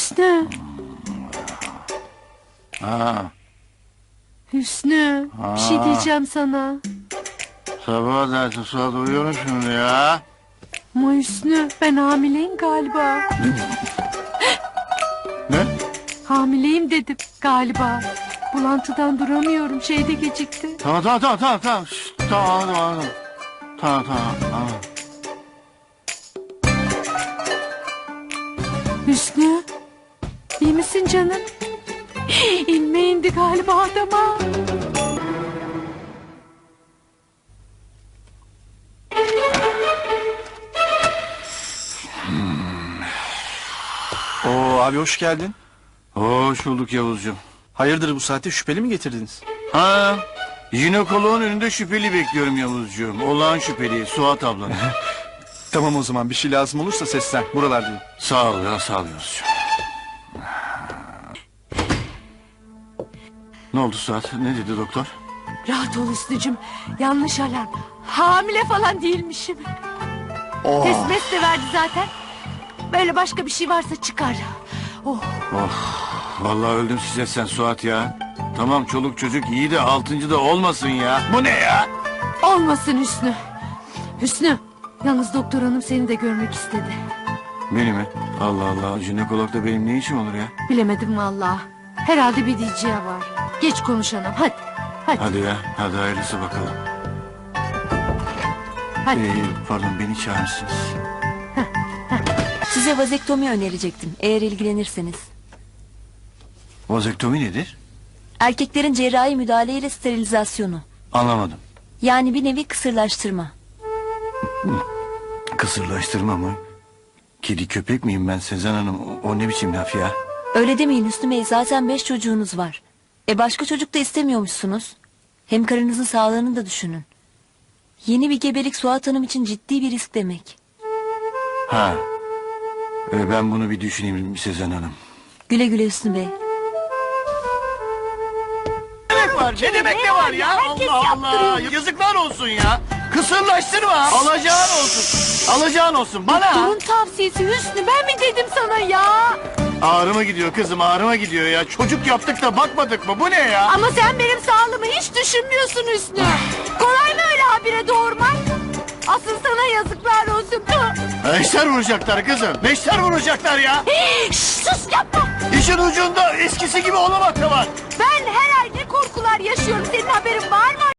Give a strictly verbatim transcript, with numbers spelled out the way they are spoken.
Hüsnü. Ha, Hüsnü. Bir şey diyeceğim sana. sabah dersi Suat uyuyorum şimdi ya. Ama Hüsnü ben hamileyim galiba. Ne? Hamileyim dedim galiba. Bulantıdan duramıyorum, şeyde gecikti. Tamam tamam tamam tamam tamam. Şşt, tamam anladım anladım. Tamam tamam tamam. Hüsnü. İyi misin canım? İnme indi galiba adama. Oo abi hoş geldin. Hoş bulduk Yavuzcuğum. Hayırdır bu saatte şüpheli mi getirdiniz? Ha, jinekoloğun önünde şüpheli bekliyorum Yavuzcuğum. Olağan şüpheli Suat ablanın. Tamam o zaman bir şey lazım olursa seslen. Buralardayım. Sağ ol ya sağ ol Yavuzcuğum. Ne oldu Suat? Ne dedi doktor? Rahat ol Hüsnücüm. Yanlış alarm. Hamile falan değilmişim. Test mes de verdi zaten. Böyle başka bir şey varsa çıkar. Oh. Vallahi öldüm size sen Suat ya. Tamam çoluk çocuk iyi de altıncı da olmasın ya. Bu ne ya? Olmasın Hüsnü. Hüsnü. Yalnız doktor hanım seni de görmek istedi. Beni mi? Allah Allah jinekologda benim ne işim olur ya? Bilemedim vallahi. Herhalde bir diyeceği var. Geç konuşalım hadi. Hadi. Hadi ya hadi hayırlısı bakalım. Hadi. Ee, pardon beni çağırırsınız. Size vazektomi önerecektim eğer ilgilenirseniz. Vazektomi nedir? Erkeklerin cerrahi müdahaleyle sterilizasyonu. Anlamadım. Yani bir nevi kısırlaştırma. Kısırlaştırma mı? Kedi köpek miyim ben Sezen Hanım? O, o ne biçim laf ya? Öyle demeyin Hüsnü Bey, zaten beş çocuğunuz var. E başka çocuk da istemiyormuşsunuz. Hem karınızın sağlığını da düşünün. Yeni bir gebelik Suat Hanım için ciddi bir risk demek. Ha. Ee, ben bunu bir düşüneyim Sezen Hanım. Güle güle Hüsnü Bey. Ne demek var? Ne demek ne var ya? Allah Allah. Yazıklar olsun ya. Kısırlaştırma. Alacağın olsun. Alacağın olsun. Bana. Doktorun tavsiyesi Hüsnü, ben mi dedim sana ya? Ağrıma gidiyor kızım ağrıma gidiyor ya. Çocuk yaptık da bakmadık mı? Bu ne ya? Ama sen benim sağlığımı hiç düşünmüyorsun Hüsnü. Kolay mı öyle habire doğurmak? Asıl sana yazıklar olsun. Beşler vuracaklar kızım. Beşler vuracaklar ya. Şş, sus yapma. İşin ucunda eskisi gibi olamak da var. Ben her ay ne korkular yaşıyorum, senin haberin var mı?